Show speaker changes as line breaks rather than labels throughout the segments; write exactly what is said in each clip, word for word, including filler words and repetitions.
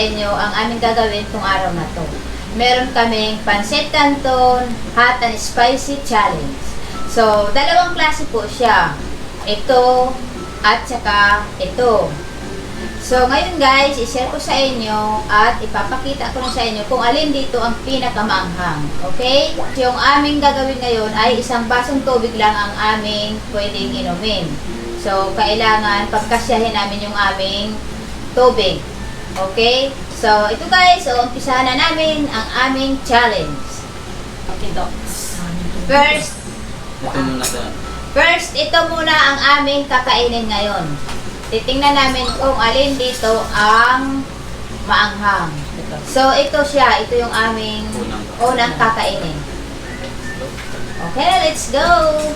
inyo ang aming gagawin kung araw na to. Meron kaming pancit canton, hot and spicy challenge. So, dalawang klase po siya. Ito at saka ito. So, ngayon guys, i-share ko sa inyo at ipapakita ko na sa inyo kung alin dito ang pinakamaanghang. Okay? Yung aming gagawin ngayon ay isang basong tubig lang ang aming pwedeng inumin. So, kailangan pagkasyahin namin yung aming tubig. Okay? So, ito guys, so umpisahan na namin ang aming challenge. Okay, docs. First,
Ito muna sa...
first, ito muna ang aming kakainin ngayon. Titingnan namin kung alin dito ang maanghang. So, ito siya. Ito yung aming
Unang.
unang kakainin. Okay, let's go!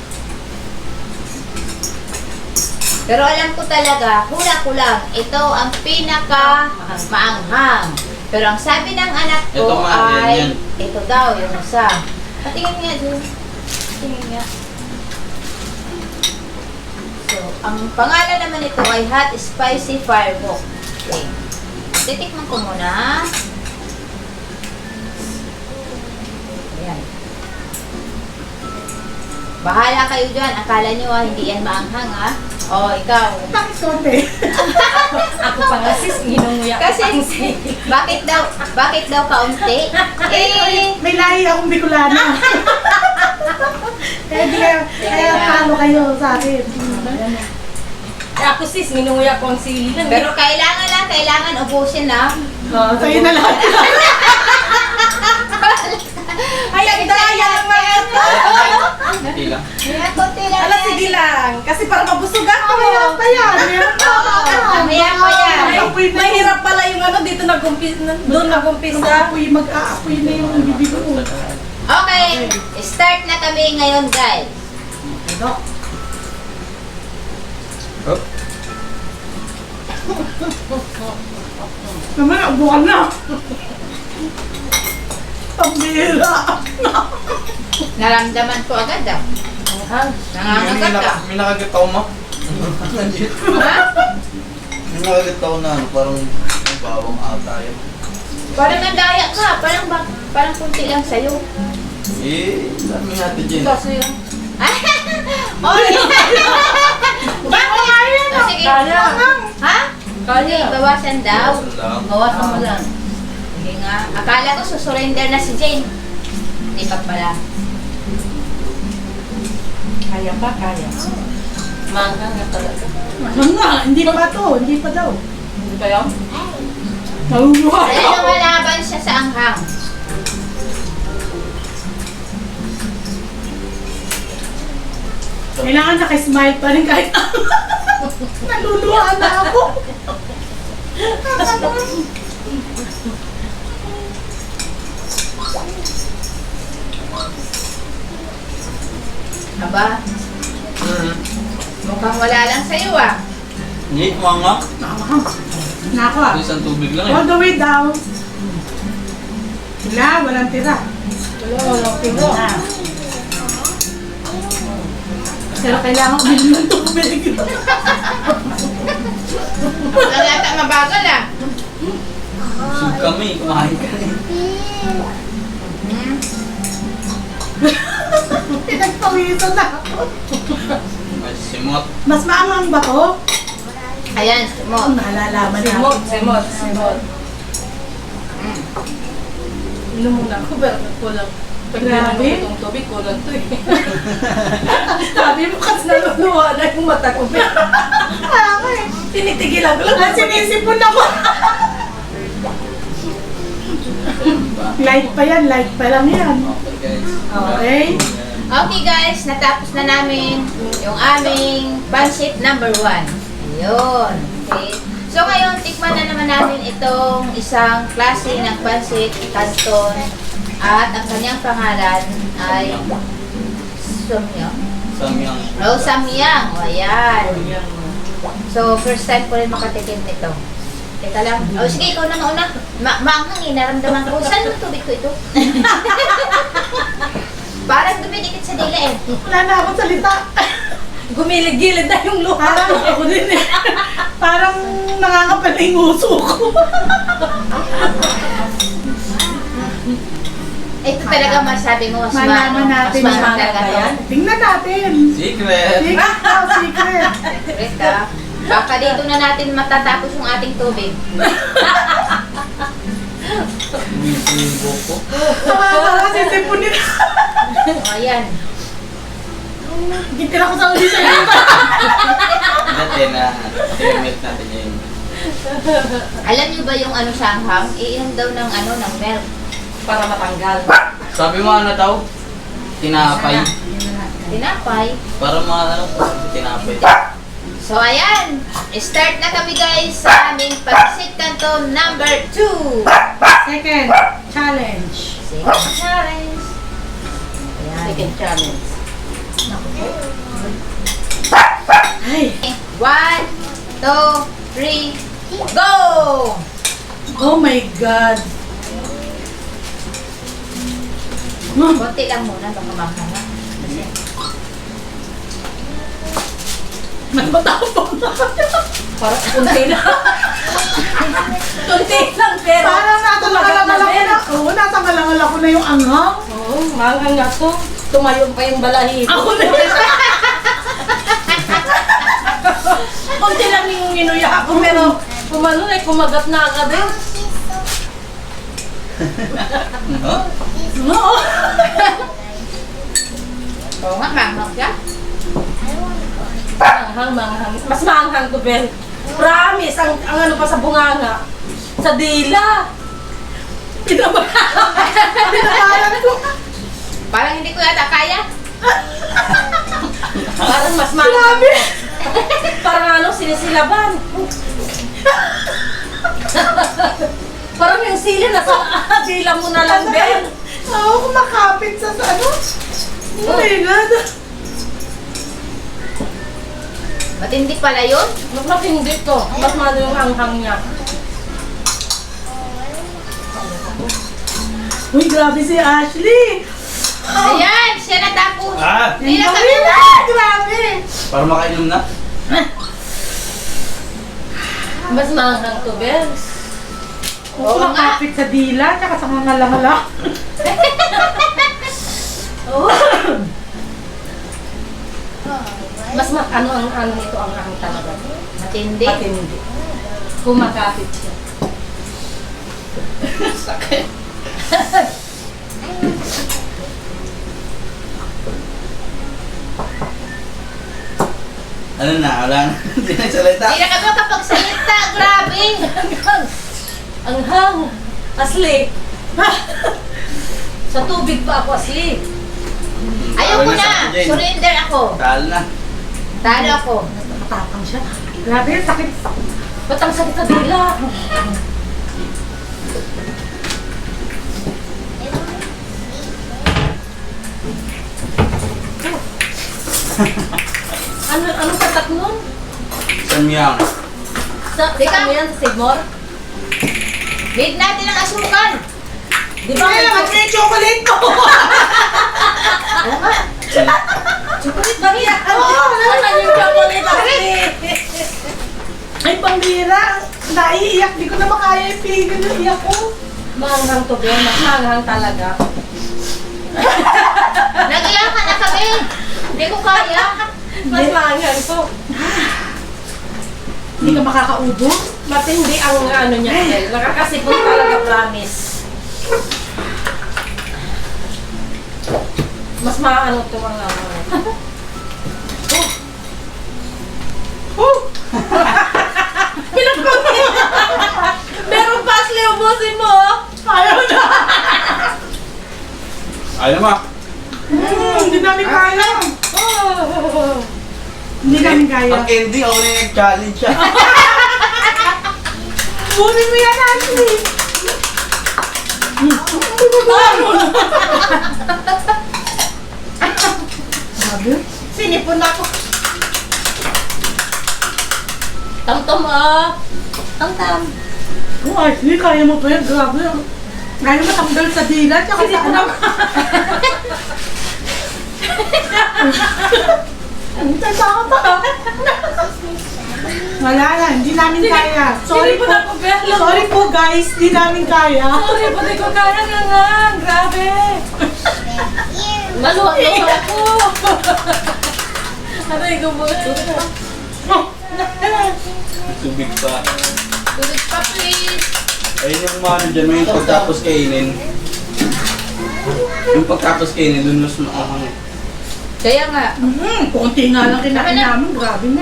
Pero alam ko talaga, hula ko lang, ito ang pinaka maanghang. Pero ang sabi ng anak ko
Ito nga, yan,
ay,
yan.
ito daw, yung isa. Patingin nga dun. Patingin nga. So, ang pangalan naman ito ay Hot Spicy Fireball. Okay. Titikman ko muna. Ayan. Bahala kayo dyan. Akala nyo ah, hindi yan maanghang ah. Oh, ikaw.
Bakit konti?
Ako pa nga sis, ginunguya ko
Kasi,
pang si...
bakit daw, bakit daw kaunti? Eh,
May lahi akong Bicolana. Kaya di kaya, kaya talo kayo sa akin.
Ako sis, ginunguya ko ang sili lang.
pero kailangan lang, kailangan ubusin na.
Oh, sa'yo na lahat.
Ay, ang daya naman ito!
Hindi lang.
Ayan, konti lang
Alas,
yan.
sige lang. Kasi para mabusog ako.
Mamaya pa yan. Meron pa.
Oo, mamaya pa yan.
Ay, mahirap pala yung ano, dito nag-umpisa, doon nag-umpisa.
Mag-aapoy, mag-aapoy na yung bibig ko.
Okay, start na kami ngayon, guys.
Oh.
Naman, abukan na. Pambira.
Naramdaman ko agad ah. Nangangagat ka.
May nakagat ako mo. Nandiyan.
Ha?
May nakagat ako na ano, parang may bawang ata yun.
Parang nandaya ka. Parang, ba, parang kunti lang sa'yo.
Eh, dami natin dyan.
Ito sa'yo. Oh, bakit? Oh, sige.
Kaya.
Ha? Sige, bawasan daw.
Bawasan lang.
Bawasan mo lang. Sige nga. Akala ko susurrender na si Jane. Hindi pa pala.
Kaya pa, kaya. Mangga nga talaga.
Ano nga, hindi pa to. Hindi pa daw.
Hindi kaya?
Nahuhuhay
Dahil
ako.
lumalaban siya sa anghang.
Kailangan nakismile pa rin kahit naluluha na ako.
Aba,
Hmm.
mukhang wala lang sa'yo ah.
Hindi, mga.
Nako ah.
Isang tubig lang
All
eh.
the way down. Wala, walang tira.
Wala, wala, pino.
Pero kailangan uminom ng tubig.
Wala yata mabagal ah.
Busog kami, kumain ka rin.
Hmm.
Pinagpawisan na ako.
Ay, simot.
Mas maangang ba to?
Ayan, mo.
Nalalaman na
Simot,
ako.
simot, simot.
Mm.
Inom muna ako, pero kulang. Pag
Grabe.
Grabe. Itong tubig, kulang to eh. Sabi mo kasi naluluha na yung mata ko.
Ako eh.
Tinitigilan ko lang.
At sinisipon ako. Light pa yan, light pa lang yan.
Okay guys.
Okay.
Okay guys, natapos na namin yung aming pancit number one. Ayun. Okay. So ngayon, tikman na naman namin itong isang klase ng pancit canton at ang kanyang pangalan ay Samyang.
Samyang.
Oh, Samyang. O, ayan. So, first time ko rin makatikim nito. Teka lang. O, sige, ikaw na mauna. Ma maanghang eh, naramdaman ko. Saan yung tubig ko ito? Parang dumidikit sa dila eh.
Wala na akong salita.
gumilig-gilid na yung luha.
Parang ako din eh. Parang nakakapal na yung uso ko.
Ito talaga masabi mo, mas
Malaman
maano,
natin
mas
yan.
maano talaga to.
Yan.
Tingnan natin.
Secret!
Secret daw, secret.
Secret ah. Baka dito na natin matatapos yung ating tubig.
Bisibo ko.
Nakakala, sisipunin.
O, ayan.
Gitira ko sa uli sa iyo.
Dati na, i-melt natin yun.
Alam niyo ba yung ano shanghang? Iinom daw ng ano, ng milk.
Para matanggal.
Sabi mo ano daw? Tinapay.
Tinapay.
Para mga ano, tinapay.
So, ayan. Start na kami guys sa aming Pansit Canton number two.
Second challenge.
Second challenge. Ayan.
Second challenge.
Ay.
One, two, three, go!
Oh my God. Hmm.
Konti lang muna, baka makana. Kasi,
Matapang na.
Parang kunti lang. Kunti lang, pero...
Parang nasa malangal ako na. Oo, nasa malangal ako na yung anghang.
Oo, manghang nga to. Tumayo pa yung balahibo.
Ako na yun.
Kunti lang yung inuya ko, pero kumano eh, kumagat na agad eh.
Huh?
Oo.
oo nga, manghang siya.
Manghang, manghang. Mas manghang to, Ben. Promise, ang, ang ano pa sa bunganga. Sa dila.
Pinabalan ko.
Parang hindi ko yata kaya.
Parang mas manghang. Parang ano, sinisilaban. Parang yung sili nasa dila mo na lang, Ben.
Oo, kumakapit sa sa ano. Oh my God.
Matindi pala yun.
Mas matindi to. Mas malo yung hanghang niya.
Uy, grabe si Ashley.
Ayan, siya natapos.
Ah!
Hindi na
Ang
kami
galing, ah, grabe.
Para makainom na?
Mas manghang to, Ben.
Oo,
Oo nga.
kumakapit sa dila, tsaka sa mga lamala.
Oh. Mas ma ano ang ano nito ang ang talaga.
Matindi.
Matindi. Kumakapit siya.
Sakit. Ano na? Wala na. Hindi na salita.
Hindi na kami makapagsalita. Grabe.
Ang hang. Asli. Sa tubig pa ako asli.
Ayoko
Talo
na.
sa Jane.
Surrender ako.
Talo na.
Talo ako.
Matapang siya. Grabe, sakit.
Ba't ang sakit sa dila? ano ano katak nun?
Samyang.
Sa
Teka.
ano yan? Sa Sigmore?
Need natin ang asukal.
Di ba?
Ay, naman yung chocolate ko.
Oo nga.
Chocolate ba niya?
Oo, wala.
Ano yung chocolate asli?
Ay, pambira. Naiiyak. Di ko na makaya ipigil yung iyak ko.
Manghang to, Ben. Mas manghang talaga.
Nag-iyakan na kami. Hindi ko kaya.
Mas manghang to.
Hindi ka makakaubo.
Matindi ang ano niya. Ben. Nakakasipon talaga, promise. Mas maano to ang ano.
Oh! Pinagpapin!
Meron pa asli, ubusin mo.
Ayaw na!
Ayaw mo.
Hmm, hindi namin kaya.
Oh.
Hindi namin kaya.
Ang candy, ako na yung nag-challenge siya.
Bunin mo yan, Ashley! Sabi?
Sinipon ako. Tam-tam ah. Tam-tam.
Oh, Ashley, kaya mo pa yan. Grabe. Kaya mo tanggal sa dila, tsaka sa anak. Ang tanda pa. Wala na, hindi namin kaya. Sorry
Hindi
po.
po na po, Bella.
Sorry po guys, hindi namin kaya.
Sorry, pati ko kaya nga nga. Grabe. Maluwa-luwa ako. Aray ko mo.
Tubig pa.
Tubig pa, please.
Ayun yung mga ano dyan, may pagtapos kainin. Yung pagtapos kainin, dun mas maahang.
Kaya nga.
Hmm, konti nga lang kinain namin, grabe na.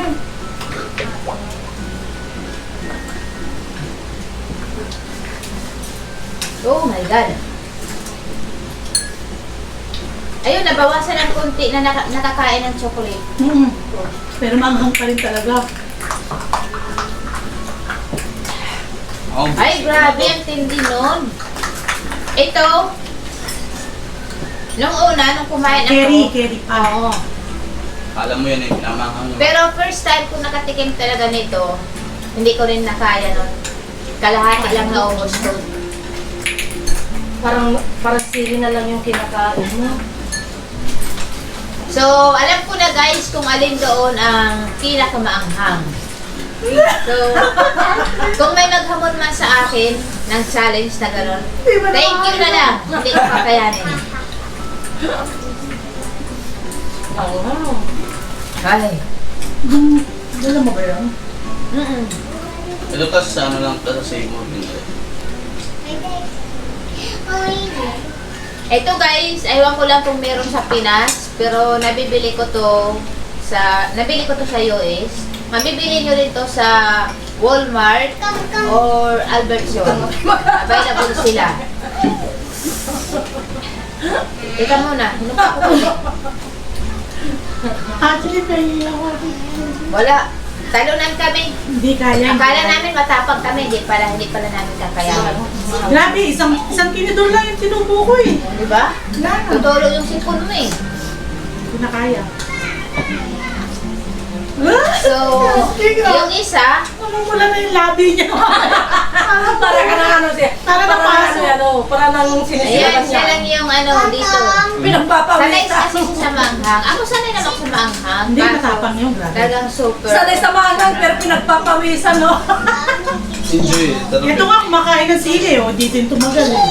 Oh my God. Ayun, nabawasan ng konti na naka- nakakain ng chocolate.
Hmm. Pero manghang pa rin talaga.
Oh,
Ay, grabe, ang tindi nun. Ito, nung una, nung kumain ako,
Kerry, kerry pa.
oo.
alam mo yan eh, pinamahang mo.
Pero first time ko nakatikim talaga nito, hindi ko rin nakaya nun. Kalahati lang naubos ko.
Parang, parang sili na lang yung kinakain mo.
So, alam ko na guys kung alin doon ang pinakamaanghang. So, kung may maghamon man sa akin ng challenge na gano'n, thank you na lang. Hindi ko kakayanin.
Wow.
Ay.
Hmm, dala mo ba yan?
Mm-mm.
Ito kasi sa ano lang, sa Seymour.
Ito guys, aywan ko lang kung meron sa Pinas, pero nabibili ko to sa, nabili ko to sa U S. Mabibili nyo rin to sa Walmart or Albertson. Available sila. Teka muna, hinumpa ko ulit.
Actually, pahingi ako.
Wala. Talunan kami.
Hindi kaya.
Akala namin matapang kami, hindi pala, hindi pala namin kakayanan.
Grabe, isang isang tinidor lang yung tinubo ko eh.
Di ba?
Wala na.
Tutulo yung sipon mo eh.
Hindi na kaya.
So, yung isa,
Namumula na yung labi niya.
Para ka na ano siya.
Para
Para
napasok.
na ano, para nang
ayan,
sinisipan
siya
niya.
lang yung ano dito. Sanay
Pinagpapawis.
kasi siya sa manghang. Ako sanay naman sa manghang.
Hindi
kaso
matapang yung grabe.
Talagang super.
Sanay sa mangang pero pinagpapawisan, no?
Enjoy.
Ito nga kumakain ng sili oh, dito yung tumagal eh.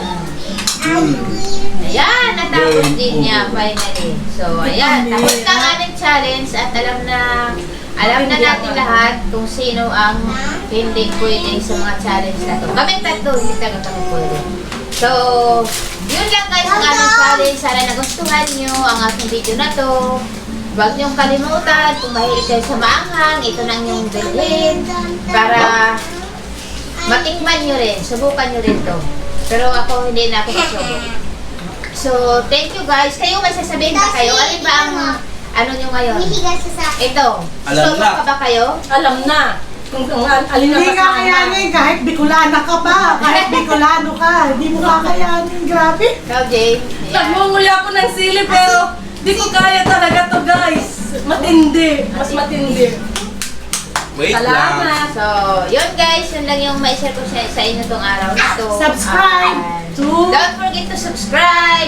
Ayan, natapos din niya finally. So, ayan, tapos na ang aming challenge at alam na alam na natin lahat kung sino ang hindi pwede sa mga challenge na to. Kaming tatlo, hindi talaga kami pwede. So, yun lang guys ang aming challenge. Sana nagustuhan nyo ang aking video na to. Huwag niyong kalimutan, kung mahilig kayo sa maanghang, ito na ang inyong bilhin para matikman nyo rin, subukan nyo rin to. Pero ako, hindi na ako masubok. So, thank you guys. Kayo, may sasabihin ba kayo? Alin ba ang ano nyo ngayon? Ito.
Alam
Susubo
na.
ka ba kayo?
Alam na. Kung, kung al- alin ang
Hindi ka kayanin kahit Bicolana ka pa, kahit Bicolano ka, hindi mo kakayanin, grabe.
Ikaw, Jane. Ayan.
Nagmumuli ako ng sili pero di ko kaya talaga to guys. Matindi. Mas matindi.
Wait lang.
Salamat.
So, yun guys, yun lang yung ma-share ko sa, sa inyo tong araw na to.
Subscribe
And
to-
don't forget to subscribe!